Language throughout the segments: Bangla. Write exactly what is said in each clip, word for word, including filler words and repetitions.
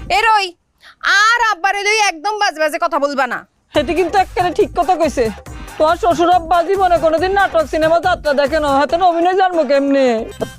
এরই আর আব্বারে লই একদম বাজে বাজে কথা বলবা না। সেটি কিন্তু একেবারে ঠিক কথা কইছে। তোমার শ্বশুর আব্বা জীবনে কোনোদিন নাটক সিনেমা যাত্রা দেখে না, হাতে অভিনয় জানবো কেমনে?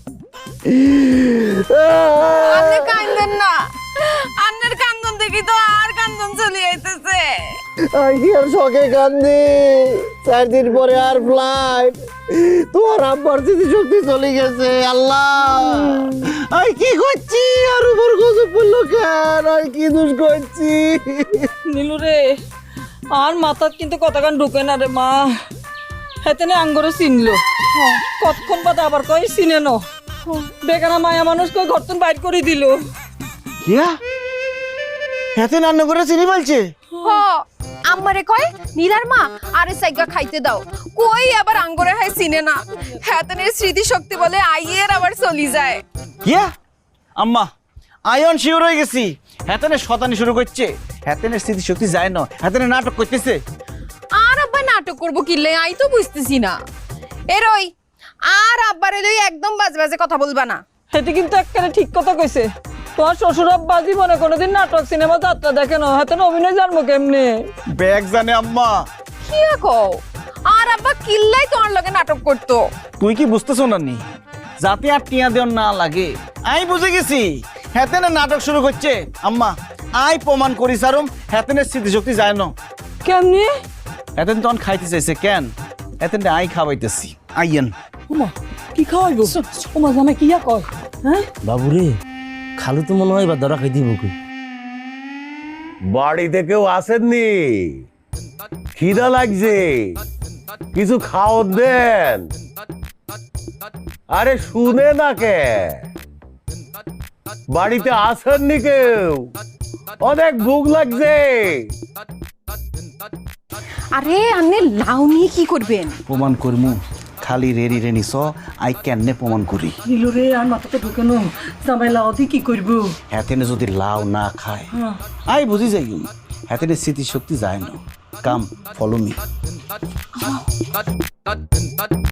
আপনি কান্দেন না, আপনার কান্দন দেখি তো আর কান্দন চলে আইতেছে। কি আর শখে কান্দি, চার দিন পরে আর ফ্লাইট, তোমার আব্বার স্মৃতিশক্তি চলে গেছে। আল্লাহ আমি কি করছি, আর উপর গজব পড়লো কেন, আর কি দোষ করছি? নীলু রে, আর মাথার কিন্তু কতক্ষণ ঢুকে না রে মা। হেতে আঙ্গরে চিনলো, কতক্ষণ বাদে আবার কই চিনে ন বেগানা মায়া মানুষ কই ঘর তুন বাইর করে দিল। কিয়া এত রান্না করে চিনি বলছে? হ আমারে কয় নীলার মা আরে সাইগা খাইতে দাও, কই আবার আঙ্গুরে হয় চিনে না। হেতনের স্মৃতি শক্তি বলে আইয়ের আবার চলি যায়। কিয়া আম্মা আয়ন শিওর হয়ে গেছি, হেতেনে শতানি শুরু করছে। হেতেনের স্মৃতিশক্তি যায় না, হেতেনে নাটক করতেছে। আর আব্বা নাটক করবো কিলে আই তো বুঝতেছি না। এরই আর আব্বারে লই একদম বাজে বাজে কথা বলবা না। সেটি কিন্তু একেবারে ঠিক কথা কইছে। তোমার শ্বশুর আব্বা জীবনে কোনোদিন নাটক সিনেমা যাত্রা দেখে না, হাতে অভিনয় জানবো কেমনে? ব্যাগ জানে আম্মা। কি কও? আর আব্বা কিল্লাই তোমার লগে নাটক করতো। তুই কি বুঝতেছ না নি, যাতে আর টিয়া দেওয়ার না লাগে। আই বুঝে গেছি হেতেনে নাটক শুরু করছে। আম্মা আই প্রমাণ করি সারুম হেতেনের স্মৃতিশক্তি যায় না। কেমনি? হেতেন তখন খাইতে চাইছে কেন, হেতেন আই খাওয়াইতেছি। আইয়েন। ওমা কি খাওয়াইবো? ওমা জামাই কিয়া কয়? হ্যাঁ বাবুরে, খালু তো মনে হয় এবার ধরা খাই দিব। বাড়িতে কেউ আসেননি? খিদা লাগছে, কিছু খাও দেন। আরে শুনে না কে, বাড়িতে আসেননি কেউ? অনেক ভুক লাগছে। আরে আন্নে লাউ নিয়ে কি করবেন? প্রমাণ করমু, খালি রেডি রেনি স আই কেনে প্রমাণ করি। নীলু রে, আর মাথাতে ঢুকে নো জামাই লাউ দিয়ে কি করবো? হেতেনে যদি লাউ না খায় আই বুঝি যাই হেতেনে স্মৃতিশক্তি যায় না। Come follow me.